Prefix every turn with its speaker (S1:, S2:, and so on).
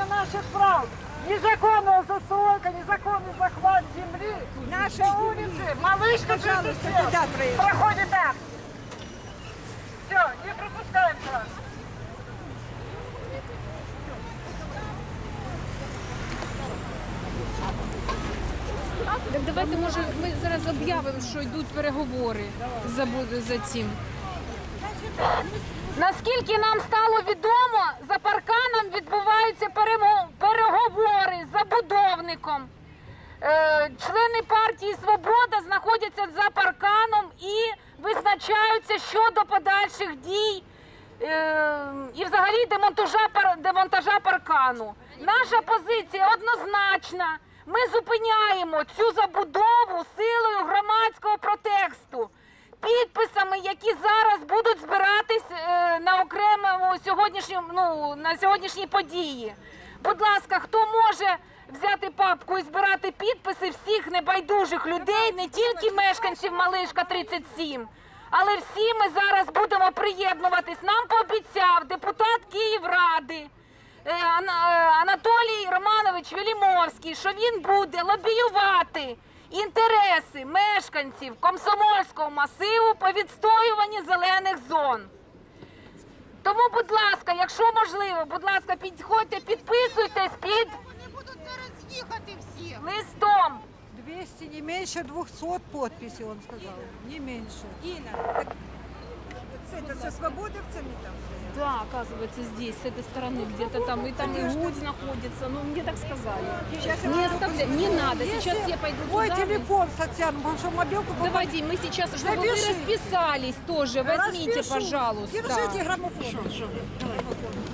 S1: наших прав. Незаконная застройка, незаконный захват земли.
S2: Наши
S1: На улице Малышка 37 проходит так. Все, не пропускаем вас.
S3: Так давайте, може, ми зараз об'явимо, що йдуть переговори за цим. Наскільки нам стало відомо, за парканом відбуваються переговори з забудовником. Члени партії «Свобода» знаходяться за парканом і визначаються щодо подальших дій і взагалі демонтажа паркану. Наша позиція однозначна. Ми зупиняємо цю забудову силою громадського протесту, підписами, які зараз будуть збиратись на окремому на сьогоднішній події. Будь ласка, хто може взяти папку і збирати підписи всіх небайдужих людей, не тільки мешканців Малишка 37, але всі ми зараз будемо приєднуватись. Нам пообіцяв депутат Київради Анатолій Романович Велімовський, що він буде лобіювати інтереси мешканців Комсомольського масиву по відстоюванні зелених зон. Тому, будь ласка, якщо можливо, будь ласка, підходьте, підписуйтесь під листом.
S2: 200, не меньше 200 подписей, он сказал, не меньше.
S4: Инна, так это со свободовцами там?
S3: Да, оказывается, здесь, с этой стороны, где-то там, и Гудь находится, ну, мне так сказали. Не оставляй, не надо, сейчас я пойду
S2: Мой
S3: туда.
S2: телефон, Татьяна, потому что мобилку...
S3: Давайте, мы сейчас, чтобы вы
S2: Запиши.
S3: расписались тоже, возьмите,
S2: Распишу.
S3: пожалуйста.
S2: Держите граммофон.